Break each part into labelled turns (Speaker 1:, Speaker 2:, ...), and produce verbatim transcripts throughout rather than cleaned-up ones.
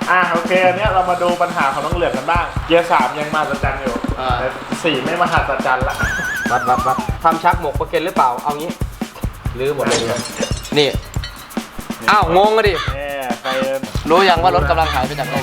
Speaker 1: อ่ะโอเคอันนี้เรามาดูปัญหาของน้องเหลืองกันบ้างเกียร์สามยังมาสัจจันอยู่แต่สี่ไม่มาหาสัจจันละ
Speaker 2: วัดวัดวัดทำชักหมกประเก็นหรือเปล่าเอางี้ลื้อหมดเลยนี่อ้าวงงอะดิรู้ยังว่ารถกำลังหายไปจากโลก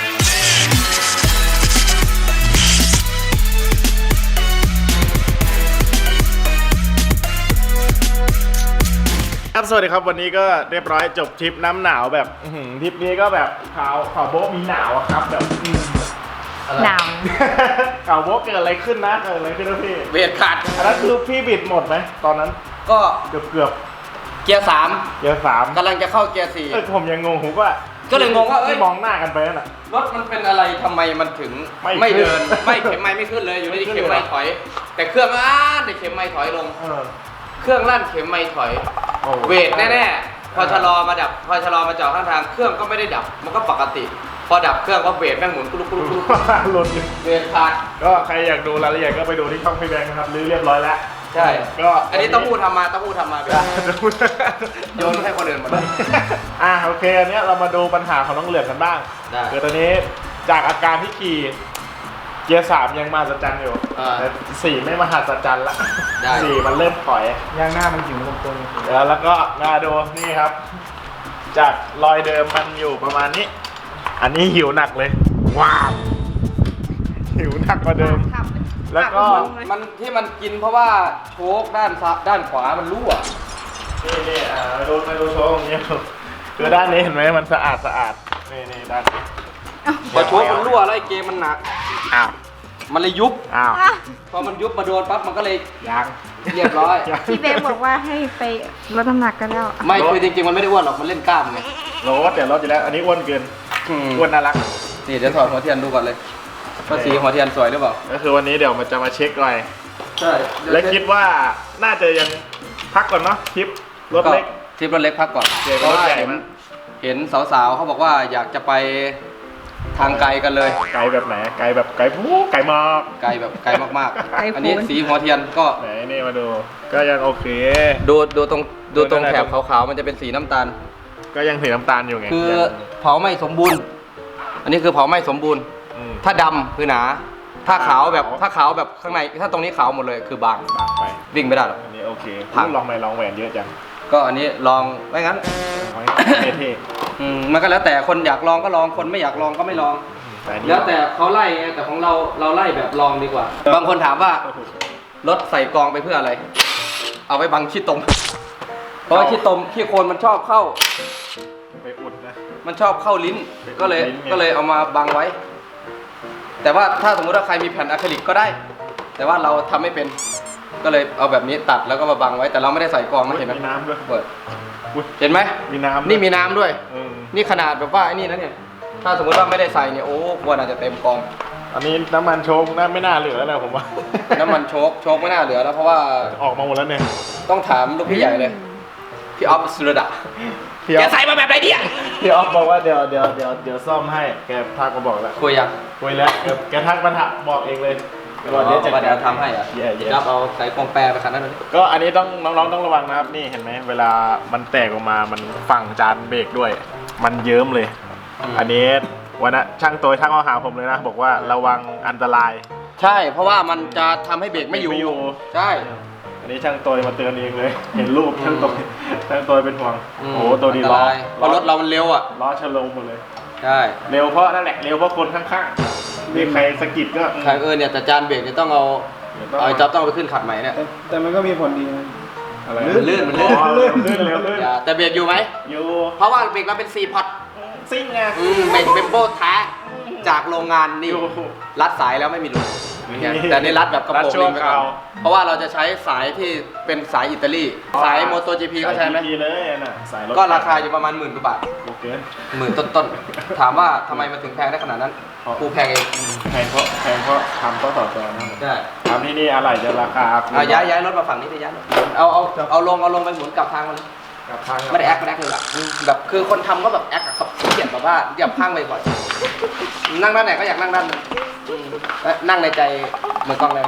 Speaker 1: ครับสวัสดีครับวันนี้ก็เรียบร้อยจบทริปน้ำหนาวแบบทริปนี้ก็แบบขาวขาวโบ๊ะมีหนาวครับแบบ
Speaker 3: หนาว
Speaker 1: ขาวโบ๊ะเกิดอะไรขึ้นนะเกิดอะไรขึ้นนะพี่
Speaker 2: เบรกขาด
Speaker 1: อันนั้นคือพี่บิดหมดไหมตอนนั้น
Speaker 2: ก็
Speaker 1: เกือบเกือบ
Speaker 2: เกียร์สาม
Speaker 1: เกียร์สาม
Speaker 2: กำลังจะเข้าเกียร์สี่
Speaker 1: เออผมยังงงผมว่า
Speaker 2: ก็เลยงงว่าเอ้ย
Speaker 1: มองหน้ากันไปนั่นแหละ
Speaker 2: รถมันเป็นอะไรทำไมมันถึงไม่เดินไม่เข็มไม้ไม่ขึ้นเลยอยู่ที่เข็มไม้ถอยแต่เครื่องอ่านแต่เข็มไม้ถอยลงเครื่องลั่นเข็มไม้ถอยเวทแน่ๆพอชะลอมาดับพอชะลอมาจอดข้างทางเครื่องก็ไม่ได้ดับมันก็ปกติพอดับเครื่องก็เวทแม่งหมุนกุลุกุลุกุลุ
Speaker 1: หลุด
Speaker 2: เวทขาด
Speaker 1: ก็ใครอยากดูรายละเอียดก็ไปดูที่ช่องพี่แบงค์นะครับรื้อเรียบร้อยแล้ว
Speaker 2: ใช่ก็อันนี้ต้องพูดทำมาต้องพูดทำมาไปโยนให้คนอื่นหมดเลย
Speaker 1: อ่ะโอเคอันนี้เรามาดูปัญหาของน้องเหลืองกันบ้างคือตอนนี้จากอาการที่ขี่เกียร์สามยังมาสัจจันอยู่แต่สี่ไม่มาหาสัจจันละสี่มันเริ่มถอยย่างหน้ามันหิวตรงๆแล้วแล้วก็มาดูนี่ครับจากรอยเดิมมันอยู่ประมาณนี้อันนี้หิวหนักเลยว้าวหิวหนักกว่าเดิมแล้วก็
Speaker 2: มันที่มันกินเพราะว่าโชคด้านด้านขวามันรั่ว
Speaker 1: นี่นี่อ่ามาดูมาดูโชคตรงนี้คือด้านนี้เห็นไหมมันสะอาดสะอาดนี่นี่ด้าน
Speaker 2: พอโชคมันรั่วแล้วไอ้เกมมันหนัก
Speaker 1: อ้าว
Speaker 2: มันเลยยุบ
Speaker 1: อ้าว
Speaker 2: พอมันยุบมาโดนปั๊บมันก็เลย
Speaker 1: ยัง
Speaker 2: เรียบร้อย
Speaker 3: พี่เบงบอกว่าให้ไปลดน้ำหนักกันแล้ว
Speaker 2: ไม่คือจริงๆมันไม่ได้อ้วนหรอกมันเล่นกล้ามไง
Speaker 1: ลดเดี๋ยวลดอยู่แล้วอันนี้อ้วนเกินอ้วนน่ารัก
Speaker 2: นี่เดี๋ยวถอดหัวเทียนดูก่อนเลยว่าสีหัวเทียนสวยหรือเปล่า
Speaker 1: ก็คือวันนี้เดี๋ยวมันจะมาเช็คหน่อย
Speaker 2: ใช่
Speaker 1: และคิดว่าน่าจะยังพักก่อนเนาะทริปรถเล็ก
Speaker 2: ทริปรถเล็กพักก่อนเพราะว่าเห็นเห็นสาวๆเขาบอกว่าอยากจะไปทางไกลกันเลย
Speaker 1: ไกลแบบไหนไกลแบบไกลผู้ไกลมาก
Speaker 2: ไกลแบบไกลมากๆอันนี้สีหัวเทียนก็
Speaker 1: ไหนนี่มาดูก็ยังโอเค
Speaker 2: ดูดูตรงดูตรงแถบขาวๆมันจะเป็นสีน้ำตาล
Speaker 1: ก็ยังสีน้ำตาลอยู่ไง
Speaker 2: คือเผาไม่สมบูรณ์อันนี้คือเผาไม่สมบูรณ์ถ้าดำคือหนาถ้าขาวแบบถ้าขาวแบบข้างในถ้าตรงนี้ขาวหมดเลยคือบาง
Speaker 1: บางไป
Speaker 2: วิ่งไม่ได้หรอก
Speaker 1: อันนี้โอเคลองไปลองแหวนเยอะจัง
Speaker 2: ก็อันนี้ลองไม่งั้น
Speaker 1: เท่
Speaker 2: ๆมันก็แล้วแต่คนอยากลองก็ลองคนไม่อยากลองก็ไม่ลองแล้วแต่เขาไล่ไงแต่ของเราเราไล่แบบลองดีกว่าบางคนถามว่ารถใส่กองไปเพื่ออะไรเอาไว้บังขี้ตมเพราะว่าขี้ตมขี้โคลนมันชอบเข้า
Speaker 1: ไปอุดนะ
Speaker 2: มันชอบเข้าลิ้นก็เลยก็เลยเอามาบังไว้แต่ว่าถ้าสมมติว่าใครมีแผ่นอะคริลิกก็ได้แต่ว่าเราทำไม่เป็นก็เลยเอาแบบนี้ตัดแล้วก็มาบังไว้แต่เราไม่ได้ใส่กองนะเห็นไหม
Speaker 1: มีน้ำด้วย
Speaker 2: เปิดเห็นไหม
Speaker 1: มีน้ำ
Speaker 2: นี่มีน้ำด้วยนี่ขนาดแบบว่าไอ้นี่นะเนี่ยถ้าสมมติว่าไม่ได้ใส่เนี่ยโอ้ควรอาจจะเต็มกอง
Speaker 1: อันนี้น้ำมันโชกน่าไม่น่าเหลือแล้วผมว่า
Speaker 2: น้ำมันโชกโชกไม่น่าเหลือแล้วเพราะว่า
Speaker 1: ออกมาหมดแล้วเนี่ย
Speaker 2: ต้องถามลูกพี่ใหญ่เลยพี่ออฟสุรดาแกใส่มาแบบไหนเนี่ย
Speaker 1: พี่ออฟบอกว่าเดี๋ยวเดี๋ยวเดี๋ยวเดี๋ยวซ่อมให้แกทักมาบอกแล้ว
Speaker 2: คุยยัง
Speaker 1: คุยแล้วแกทักมาถามบอกเองเลย
Speaker 2: ว่าเดี๋ยวจะเดี๋ยวทำให้อ่ะจะเอาใส่กองแปรไปขนาดนั้น
Speaker 1: ก็อันนี้ต้องน้องๆต้องระวังนะครับนี่เห็นไหมเวลามันแตกออกมามันฝั่งจานเบรกด้วยมันเยิ้มเลยอันนี้วันนั้นช่างตัวทักมาหาผมเลยนะบอกว่าระวังอันตราย
Speaker 2: ใช่เพราะว่ามันจะทำให้เบรกไม่อยู่ใช่
Speaker 1: อันนี้ช่างตัวมาเตือนเองเลยเห็นรูปช่างตัวช่างตัวเป็นห่วงโอ้ตัวนี้ล้อ
Speaker 2: เพราะรถเรามันเร็วอ่ะ
Speaker 1: ล้อชะลมหมดเลย
Speaker 2: ใช่
Speaker 1: เร็วเพราะนั่นแหละเร็วเพราะคนข้างๆมีใครสะกิดก็
Speaker 2: ใครเออเนี่ยแต่จานเบรกเนี่ยต้องเอาเอาจ็อบต้องไปขึ้นขัดใหม่เนี่ย
Speaker 4: แต่มันก็มีผลดี
Speaker 1: อะไร
Speaker 2: มันลื่นมันลื่น
Speaker 1: ลื่นลื่นเร็วลื่น
Speaker 2: แต่เบรกอยู่ไหม
Speaker 1: อยู่
Speaker 2: เพราะว่าเบรกเราเป็นสี่พอร์ต
Speaker 1: ซิ่งไง
Speaker 2: เบรกเป็นโบ้แท้จากโรงงานนี่รัดสายแล้วไม่มีรูแต่นี่รัดแบบกระโปรงลิงไปก่อนเพราะว่าเราจะใช้สายที่เป็นสายอิตาลีสายโมโต จี พี เขาใช้ไหมก็ราคาอยู่ประมาณหมื่นกว่าบาทหมื่นต้นๆถามว่าทำไมมันถึงแพงได้ขนาดนั้นกูแพงเอง
Speaker 1: แพงเพราะแพงเพราะทำก็ต่อตัวนะ
Speaker 2: ใช่
Speaker 1: ทำที่นี่อะไรจะราคา
Speaker 2: เอาย้ายย้ายรถมาฝั่งนี้ไปย้ายเอาเอาเอาลงเอาลงไปหมุนกลับทางมันไม่ได้แอคไม่ได้แอคเลยอะแบบคือคนทำก็แบบแอคกับเขาเขียนแบบว่าอย่าพังไปบ่อยนั่งด้านไหนก็อยากนั่งด้านนั้นนั่งในใจเหมือนกล้องเลย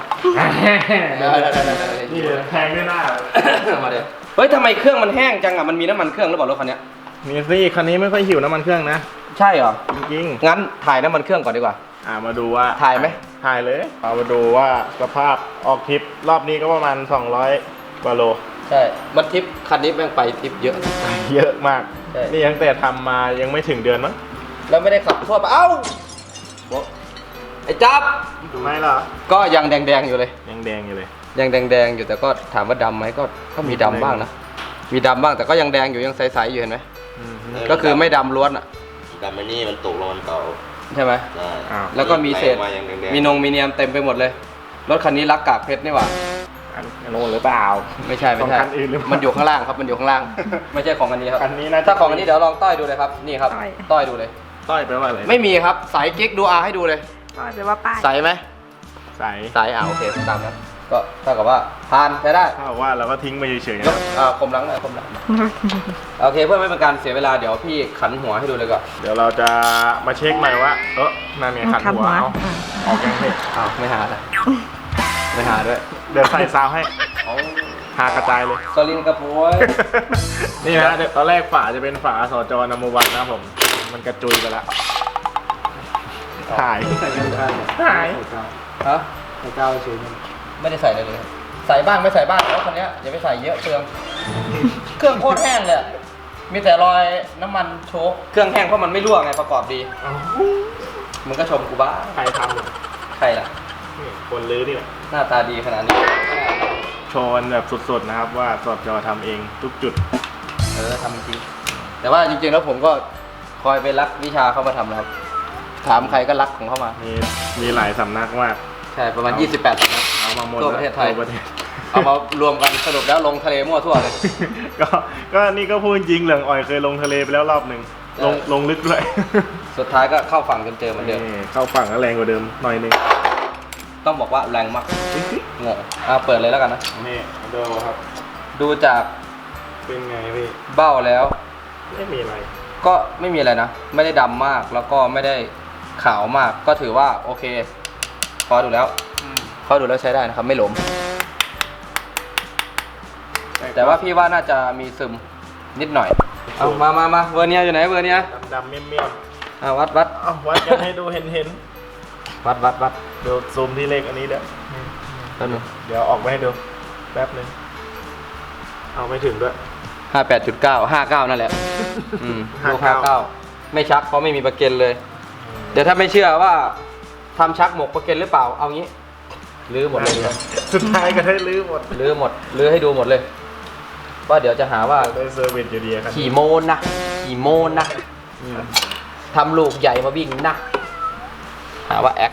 Speaker 1: นี่แพงไม่น่า
Speaker 2: มาเดี๋ยวเฮ้ยทำไมเครื่องมันแห้งจังอ่ะมันมีน้ำมันเครื่องหรือเปล่ารถคันนี้
Speaker 1: นี่สิคันนี้ไม่ค่อยหิวน้ำมันเครื่องนะ
Speaker 2: ใช่เหรอ
Speaker 1: จริง
Speaker 2: งั้นถ่ายน้ำมันเครื่องก่อนดีกว่า
Speaker 1: ๆอ่ามาดูว่า
Speaker 2: ถ่ายไหม
Speaker 1: ถ่ายเลยเอามาดูว่าสภาพออกทริปรอบนี้ก็ประมาณสองร้อยกว่าโล
Speaker 2: ใช่มันทริปคันนี้แม่งไปทริปเยอะ
Speaker 1: เยอะมาก
Speaker 2: ใช่
Speaker 1: นี่ตั้งแต่ทำมายังไม่ถึงเดือนมั้ง
Speaker 2: แล้วไม่ได้ขับทั่วไปเอ้าบอกไอ้จับ
Speaker 1: ทำไมล่ะ
Speaker 2: ก็ยังแดงๆอยู่เลย
Speaker 1: ยังแดงอยู่เลย
Speaker 2: ยังแดงๆอยู่แต่ก็ถามว่าดำไหมก็ก็มีดำบ้างนะมีดำบ้างแต่ก็ยังแดงอยู่ยังใสๆอยู่เห็นไหม
Speaker 1: อืม
Speaker 2: ก็คือไม่ดำล้วนอ่ะ
Speaker 4: แต่ไม่นี่มันตกลงมันเก่า
Speaker 2: ใช่ไหม
Speaker 4: ใช่
Speaker 1: อ้าว
Speaker 2: แล้วก็มีเศษ
Speaker 4: ไหลออกมาอย่างแดงๆ
Speaker 2: มีนงมีเนียมเต็มไปหมดเลย รถคันนี้รักกากเพชรนี่หว่า
Speaker 1: อันอันโน้นหรือเปล่า
Speaker 2: ไม่ใช่ไม่ใช่
Speaker 1: ของคันอื่นหรือเปล่ามั
Speaker 2: มันอยู่ข้างล่างครับมันอยู่ข้างล่าง ไม่ใช่ของอันนี้ครับ
Speaker 1: อันนี้น่าจะ
Speaker 2: ถ้าของอันนี้เดี๋ยวลองต้อยดูเลยครับนี่ครับ
Speaker 3: ต้อย
Speaker 2: ต้อยดูเลย
Speaker 1: ต้อยไปว่าอะไร
Speaker 2: ไม่มีครับสายกิ๊กดูอาให้ดูเลย
Speaker 3: ก็แปลว่าป้าย
Speaker 2: ใสไหม
Speaker 1: ใส
Speaker 2: ใสอ่าโอเคตามนั้นก็เท่ากับว่าผ่านใช้ได้
Speaker 1: ถ้าบอกว่าเราก็ทิ้งไปเฉยๆ
Speaker 2: ย
Speaker 1: นะ
Speaker 2: กอ่าคมหลังหน่อยคมหลังโอเคเพื่อไม่เป็นการเสียเวลาเดี๋ยวพี่ขันหัวให้ดูเลยก่อน
Speaker 1: เดี๋ยวเราจะมาเช็คใหม่ว่า เออนั่นไงขันหัวเอาออกยังไง
Speaker 2: อ้าวไม่หาละไม่หาด้วย
Speaker 1: เดี๋ยวใส่ซาวให้
Speaker 2: เอา
Speaker 1: หากระจายเลย
Speaker 2: สลินกระปุย
Speaker 1: นี่นะเดี๋ยวตอนแรกฝาจะเป็นฝาสจนมวันนะครับผม มันกระจุยไปแล้วหายหาย
Speaker 2: ฮะใส่เก้าเฉยไม่ได้ใส่เลยเลยครับใส่บ้างไม่ใส่บ้างแล้วคันนี้ยอย่าไปใส่เยอะเปลืองเครื่องโคตรแห้งเลยอะมีแต่รอยน้ำมันโชกเครื่องแห้งเพราะมันไม่รั่วไงประกอบดีมึงก็ชมกูบ้า
Speaker 1: ใครทำเนี่ย
Speaker 2: ใครล่ะ
Speaker 1: นี่คนลื้อนี่แหละ
Speaker 2: หน้าตาดีขนาดนี้
Speaker 1: โชว์กันแบบสดๆนะครับว่าสจทำเองทุกจุด
Speaker 2: เออทำจริงแต่ว่าจริงๆแล้วผมก็คอยไปรักวิชาเข้ามาทำนะครับถามใครก็รักของเข้ามา
Speaker 1: มีมีหลายสำนักมาก
Speaker 2: ใช่ประมาณยี่สิบแปดสำนัก
Speaker 1: เอามาหมด
Speaker 2: ทั่วประเทศไทย
Speaker 1: ทั่วประเทศ
Speaker 2: เอามารวมกันสรุปแล้วลงทะเลมั่วทั่วเลย
Speaker 1: ก็ก็นี่ก็พูดจริงเหลืองอ่อยเคยลงทะเลไปแล้วรอบหนึ่งลงลงลึกด้วย
Speaker 2: สุดท้ายก็เข้าฝั่งจนเจอเหมือนเดิม
Speaker 1: นี่เข้าฝั่งก็แรงกว่าเดิมหน่อยหนึง
Speaker 2: ต้องบอกว่าแรงมากงงอ่ะเปิดเลยแล้วกันนะ
Speaker 1: นี่ดูครับ
Speaker 2: ดูจาก
Speaker 1: เป็นไงพี่
Speaker 2: เบ้าแล้ว
Speaker 1: ไม่มีอะไร
Speaker 2: ก็ไม่มีอะไรนะ ไม่ได้ดำมากแล้วก็ไม่ได้ขาวมาก ก็ถือว่าโอเค พอดูแล้วพอดูแล้วใช้ได้นะครับ ไม่หลม แต่ว่าพี่ว่าน่าจะมีซึมนิดหน่อย เอามามามาเวอร์เนียอยู่ไหนเวอร์เนีย
Speaker 1: ดำดำๆเมี่ยมเมี่ยม
Speaker 2: อ่ะวัดวัด
Speaker 1: ๆเอาวัดกันให้ดูเห็นเห็น
Speaker 2: วัดวัดวัด
Speaker 1: ๆเดี๋ยวซูมที่เลขอันนี้เด้อ
Speaker 2: แป๊บนึง
Speaker 1: เดี๋ยวออกมาให้ดูแป๊บหนึงเอาไม่ถึงด้วย
Speaker 2: ห้าแปดจุดเก้าห้าเก้านั่นแหละอืมลูกห้า
Speaker 1: ห้า
Speaker 2: เก้า
Speaker 1: เก้า
Speaker 2: ไม่ชักเพราะไม่มีประเก็นเลย เดี๋ยวถ้าไม่เชื่อว่าทำชักหมกประเก็นหรือเปล่าเอางี้ลื้อหมดเลยดีกว่า
Speaker 1: สุดท้ายก็ได้ลื้อหมด
Speaker 2: ลื้อหมดลื้อให้ดูหมดเลยว่าเดี๋ยวจะหาว่า
Speaker 1: ได้เซอร์วิสอยู่ดีครับ
Speaker 2: ขี่โมนนะขี่โมนนะอืมทำลูกใหญ่มาวิ่งนะหาว่าแอค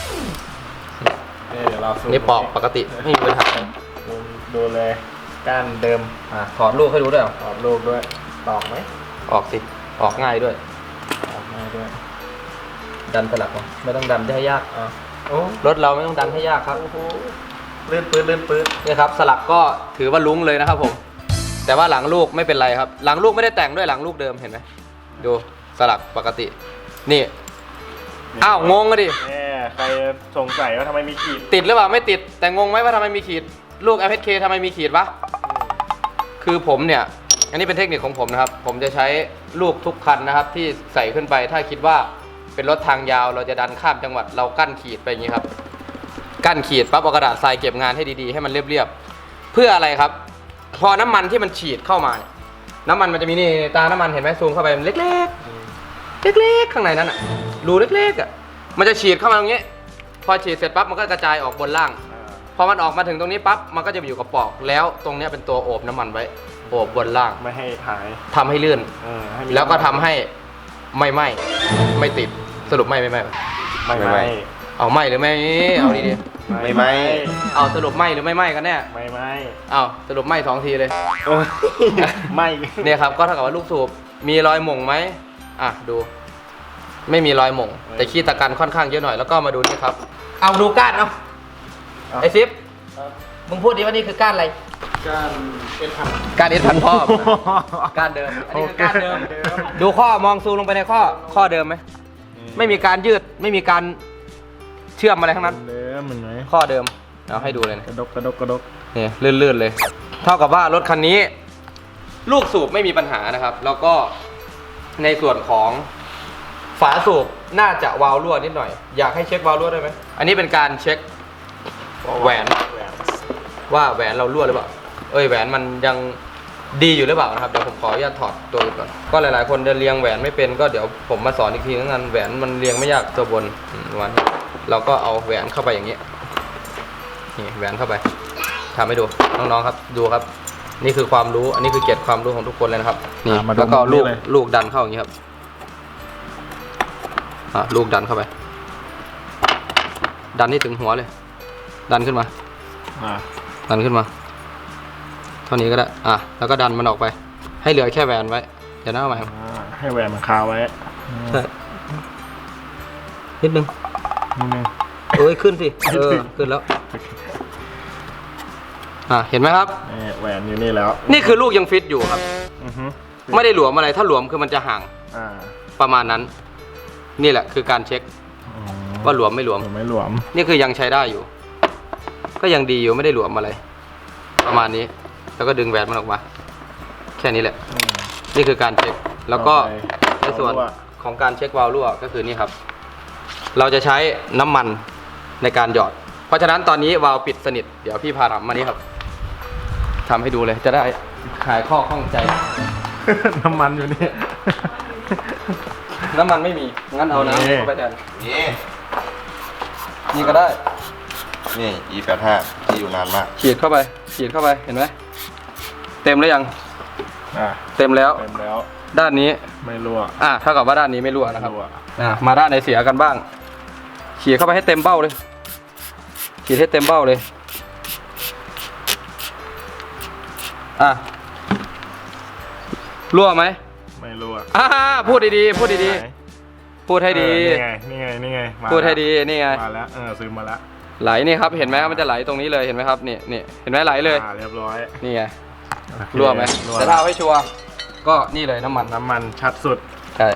Speaker 1: นี่เดี๋ยวเราซูม
Speaker 2: นี่ปอกปกติไม่มีปัญหา
Speaker 1: ดูดูเลยก้านเดิม
Speaker 2: อ่ะถอดลูกให้ดูด้วยเหรอ
Speaker 1: ตอบลูกด้วยตอกไหม
Speaker 2: ออกสิออกง่ายด้วย
Speaker 1: ตอกง่ายด้วย
Speaker 2: ดันสลักมาไม่ต้องดันให้ยาก
Speaker 1: อ่ะโอ้
Speaker 2: รถเราไม่ต้องดันให้ยากครับ
Speaker 1: โหเลื่อนปืนเลื่อนปืน
Speaker 2: นี่ครับสลักก็ถือว่าลุ้งเลยนะครับผม แต่ว่าหลังลูกไม่เป็นไรครับ หลังลูกไม่ได้แต่งด้วยหลังลูกเดิมเห็นไหมดูสลักปกติ นี่อ้าวงงอะดิ
Speaker 1: แน่ใครสงสัยว่าทำไมมีขีด
Speaker 2: ติดหรือเปล่าไม่ติดแต่งงไหมว่าทำไมมีขีดลูก แอล เอช เค ทำไมมีขีดวะคือผมเนี่ยอันนี้เป็นเทคนิคของผมนะครับผมจะใช้ลูกทุกคันนะครับที่ใส่ขึ้นไปถ้าคิดว่าเป็นรถทางยาวเราจะดันข้ามจังหวัดเรากั้นขีดไปอย่างนี้ครับกั้นขีดปั๊บเอากระดาษทรายเก็บงานให้ดีๆให้มันเรียบๆเพื่ออะไรครับ พอน้ำมันที่มันฉีดเข้ามาเนี่ยน้ำมันมันจะมีนี่ตาน้ำมันเห็นไหมซูมเข้าไปมันเล็กๆเล็กๆข้างในนั้นอ่ะรูเล็กๆอ่ะมันจะฉีดเข้ามาตรงนี้พอฉีดเสร็จปั๊บมันก็กระจายออกบนล่างพอมันออกมาถึงตรงนี้ปั๊บมันก็จะไปอยู่กับปอกแล้วตรงนี้เป็นตัวโอบน้ำมันไว้โอบบนล่าง
Speaker 1: ไม่ให้หาย
Speaker 2: ทำให้ลื่น
Speaker 1: เออให้มี
Speaker 2: แล้วก็ทำให้ไม่ไหม้ไม่ติดสรุปไหม้ไม่ไหม้
Speaker 1: ไม่
Speaker 4: ไม่
Speaker 1: ไม่
Speaker 2: เอาไหม้หรือไม่เอาดี
Speaker 4: ไม่ไหม้
Speaker 2: ๆเอาสรุปไหม้หรือไม่ไหม้กันแน่
Speaker 1: ไม่ไม่
Speaker 2: เอาสรุปไหม้สองทีเลย
Speaker 1: โอ้ยไม่
Speaker 2: เนี่ยครับก็เท่ากับว่าลูกสูบมีรอยหม่งไหมอ่ะดู ไม่มีรอยหม่งแต่ขี้ตะกันค่อนข้างเยอะหน่อยแล้วก็มาดูนี่ครับเอาดูก้านเอาไอซิปมึงพูดดิว่านี่คือก้านอะไร
Speaker 1: การเป็นพัน
Speaker 2: ก้านเอสพันพ่อก้านเดิมอันนี้คือก้านเดิมดูข้อมองซูมลงไปในข้อข้อเดิมไหมไม่มีการยืดไม่มีการเชื่อมอะไรทั้งนั้น
Speaker 1: เดิมเหมือนไหม
Speaker 2: ข้อเดิมเอาให้ดูเลยนะ
Speaker 1: กระดกกระดกกระดก
Speaker 2: นี่ลื่นๆเลย เท่ากับว่ารถคันนี้ ลูกสูบไม่มีปัญหานะครับ แล้วก็ในส่วนของฝาสูบน่าจะวาล์วรั่วนิดหน่อยอยากให้เช็ควาล์วรั่วได้ไหมอันนี้เป็นการเช็คแหวนว่าแหวนเรารั่วหรือเปล่าเอ้ยแหวนมันยังดีอยู่หรือเปล่านะครับเดี๋ยวผมขออนุญาตถอดตัวอื่นก่อนก็หลายๆคนจะเรียงแหวนไม่เป็นก็เดี๋ยวผมมาสอนอีกทีนึงกันแหวนมันเรียงไม่ยากตัวบนวันเราก็เอาแหวนเข้าไปอย่างนี้นี่แหวนเข้าไปทำให้ดูน้องๆครับดูครับนี่คือความรู้อันนี้คือเกียรติความรู้ของทุกคนเลยนะครับนี่แล้วก็ลูกลูกดันเข้าอย่างนี้ครับอ่ะลูกดันเข้าไปดันให้ถึงหัวเลยดันขึ้นมาดันขึ้นมาเท่านี้ก็ได้อ่ะแล้วก็ดันมันออกไปให้เหลือแค่แหวนไว้เดี๋ยวหน้าใหม่
Speaker 1: ให้แหวนมันคาไว้
Speaker 2: นิดนึง
Speaker 1: นิดนึง
Speaker 2: เอ้ยขึ้นสิเออขึ้นแล้วอ่ะเห็นไหมครับ
Speaker 1: แหวนอยู่นี่แล้ว
Speaker 2: นี่คือลูกยังฟิตอยู่ครับไม่ได้หลวมอะไรถ้าหลวมคือมันจะห่างประมาณนั้นนี่แหละคือการเช็คว่าหลวมไม่หลวม
Speaker 1: ไม่หลวม
Speaker 2: นี่คือยังใช้ได้อยู่ก็ยังดีอยู่ไม่ได้หลวมอะไรประมาณนี้แล้วก็ดึงแหวนมันออกมาแค่นี้แหละนี่คือการเช็คแล้วก็ในส่วนของการเช็ควาล์วรั่วก็คือนี่ครับเราจะใช้น้ำมันในการหยอดเพราะฉะนั้นตอนนี้วาล์วปิดสนิทเดี๋ยวพี่พาทำมานี่ครับทำให้ดูเลยจะได้ขายข้อข้องใจ
Speaker 1: น้ำมันอยู่นี่
Speaker 2: น้ำมันไม่มีงั้นเอาน้ำเข้าไปแทน
Speaker 4: นี่
Speaker 2: นี่ก็ได้
Speaker 4: นี่ อี แปดสิบห้า ที่อยู่นานมาก
Speaker 2: ฉีดเข้าไปฉีดเข้าไปเห็นไหมเต็มหรือยัง
Speaker 1: อ่า
Speaker 2: เต็มแล้ว
Speaker 1: เต็มแล้ว
Speaker 2: ด้านนี้
Speaker 1: ไม่รั่ว
Speaker 2: อ่าเท่ากับว่าด้านนี้ไม่รั่วนะครับอ่ามาด้านไหนเสียกันบ้างฉีดเข้าไปให้เต็มเบ้าเลยฉีดให้เต็มเบ้าเลยอ่ะรั่วไหม
Speaker 1: ไม่รั่ว
Speaker 2: อ่าพูดดีๆพูดดีๆพูดให้ดี
Speaker 1: นี่ไงนี่ไงนี่ไง
Speaker 2: พูดให้ดีนี่ไง
Speaker 1: มาแล้วเออซื้อมาแล้ว
Speaker 2: ไหลนี่ครับเห็นไหมมันจะไหลตรงนี้เลยเห็นไหมครับนี่นี่เห็นไหมไหลเลย
Speaker 1: เรียบร้อย
Speaker 2: นี่ไงรั่วไหมแต่ถ้าเอาให้ชัวร์ก็นี่เลยน้ำมัน
Speaker 1: น้ำมันชัดสุด
Speaker 2: ใช่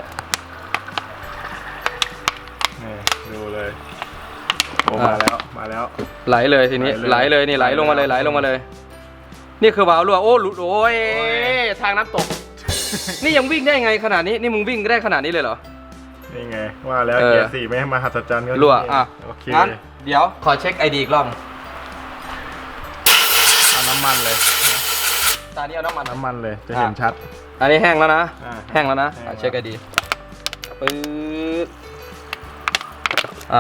Speaker 1: นี่ดูเลยโอ้มาแล้วมาแล้ว
Speaker 2: ไหลเลยทีนี้ไหลเลยนี่ไหลลงมาเลยไหลลงมาเลยนี่คือวาล์วรั่วโอ้หลุดโอ้ยทางน้ำตกนี่ยังวิ่งได้ไงขนาดนี้นี่มึงวิ่งได้ขนาดนี้เลยเหรอ
Speaker 1: นี่ไงว่าแล้วเกียร์สี่ไม่ให้มาหัศจรรย์ก็
Speaker 2: รั่วอ่ะโอเคงั้นเดี๋ยวขอเช็คไอดีอีกรอบ
Speaker 1: เอาน้ำมันเลย
Speaker 2: ตอนนี้เอาน้ำมัน
Speaker 1: น้ำมันเลยจะเห็นชัด
Speaker 2: อันนี้แห้งแล้วนะแห้งแล้วนะเช็คไอดีปึ๊บอ่ะ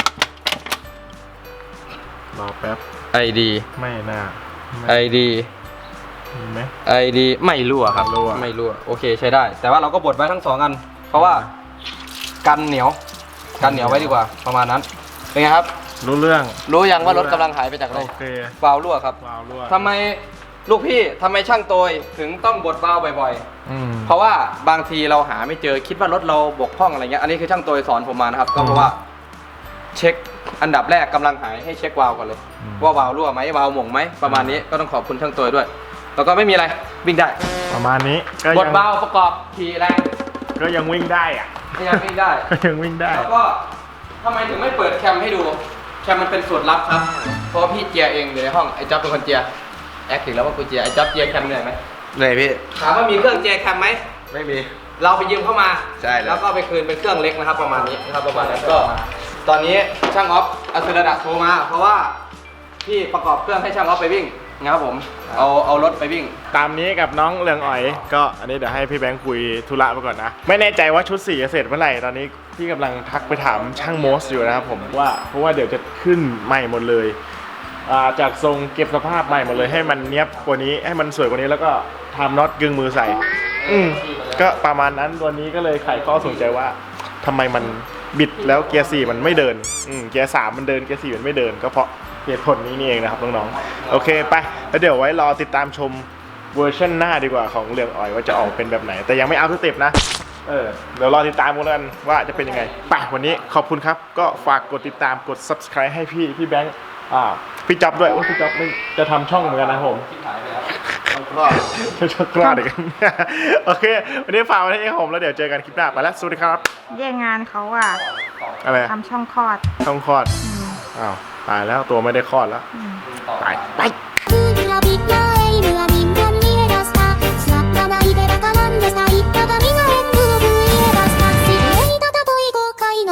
Speaker 1: รอแป๊บ
Speaker 2: ไอดี
Speaker 1: ไม่น่า
Speaker 2: ไอดี
Speaker 1: ไหม
Speaker 2: ไอดีไม่รั่วครับไม่รั่วโอเคใช้ได้แต่ว่าเราก็บดไว้ทั้งสองอันเพราะว่ากันเหนียวกันเหนียวไว้ดีกว่าประมาณนั้นเป็นไงครับ
Speaker 1: รู้เรื่อง
Speaker 2: รู้ยังว่ารถกำลังหายไปจากอะไร
Speaker 1: โอเคว
Speaker 2: าล์วรั่วครับ
Speaker 1: วาล์วรั่ว
Speaker 2: ทำไมลูกพี่ทำไมช่างโตยถึงต้องบดวาล์วบ่อยๆเพราะว่าบางทีเราหาไม่เจอคิดว่ารถเราบกพร่องอะไรเงี้ยอันนี้คือช่างโตยสอนผมมานะครับก็เพราะว่าเช็คอันดับแรกกำลังหายให้เช็ควาล์วก่อนเลยว่าวาล์วรั่วไหมวาล์วหม่งไหมประมาณนี้ก็ต้องขอบคุณช่างโตยด้วยแล้วก็ไม่มีอะไรวิ่งได้
Speaker 1: ประมาณนี้
Speaker 2: บดวาล์วประกอบขี่แรง
Speaker 1: ก็ยังวิ่งได้อะ
Speaker 2: ยังวิ่งได้
Speaker 1: ยังวิ่งได้
Speaker 2: แล้วก็ทำไมถึงไม่เปิดแคมให้ดูแคมมันเป็นสูตรลับครับเพราะพี่เจียเองอยู่ในห้องไอ้จ๊อบเป็นคนเจียแอคถึงแล้วว่ากูเจียไอ้จ๊อบเจียแคมเหนื่อยไหม
Speaker 4: เหนื่อยพี่
Speaker 2: ถามว่ามีเครื่องเจียแคมไหม
Speaker 4: ไม่มี
Speaker 2: เราไปยืมเข้ามา
Speaker 4: ใช่
Speaker 2: แล้วก็ไปคืนเป็นเครื่องเล็กนะครับประมาณนี้นะครับประมาณนั้นก็ตอนนี้ช่างออฟอัศรดาโทรมาเพราะว่าพี่ประกอบเครื่องให้ช่างออฟไปวิ่งนะครับผมเอาเอารถไปวิ่ง
Speaker 1: ตามนี้กับน้องเรืองอ๋อยก็อันนี้เดี๋ยวให้พี่แบงค์คุยธุระไปก่อนนะไม่แน่ใจว่าชุดสีจะเสร็จเมื่อไหร่ตอนนี้พี่กำลังทักไปถามช่างโมสอยู่นะครับผมว่าเพราะว่าเดี๋ยวจะขึ้นใหม่หมดเลยจากทรงเก็บสภาพใหม่หมดเลยให้มันเนี้ยบกว่านี้ให้มันสวยกว่านี้แล้วก็ทำน็อตกึ่งมือใส่อืมก็ประมาณนั้นตัวนี้ก็เลยไขข้อสงสัยว่าทำไมมันบิดแล้วเกียร์สี่มันไม่เดินอืมเกียร์สามมันเดินเกียร์สี่มันไม่เดินก็เพราะเหตุผลนี้นี่เองนะครับน้องๆโอเคไปแล้วเดี๋ยวไว้รอติดตามชมเวอร์ชันหน้าดีกว่าของเรืองอ๋อยว่าจะออกเป็นแบบไหนแต่ยังไม่เอาสเต็ปนะเออเดี๋ยวรอติดตามกันว่าจะเป็นยังไงไปวันนี้ขอบคุณครับก็ฝากกดติดตามกด ซับสไครบ์ ให้พี่พี่แบงค์อ่าพี่จ๊อบด้วยว่าพี่จ๊อบไม่จะทำช่องเหมือนกันนะผมช่องกล้าเด็กโอเควันนี้ฝากไว้ที่ผมแล้วเดี๋ยวเจอกันคลิปหน้าไปแล้วสวัสดีครับ
Speaker 3: แย่งงานเขาอ่ะ
Speaker 1: อะไร
Speaker 3: ทำช่องคลอด
Speaker 1: ช่องคลอดอ้าวตายแล้วตัวไม่ได้คลอดแล้วตายไป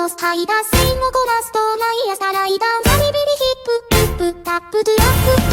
Speaker 5: ロスハイダー線をこなすと毎朝ライダーバリビリヒップヒップタップトゥラップ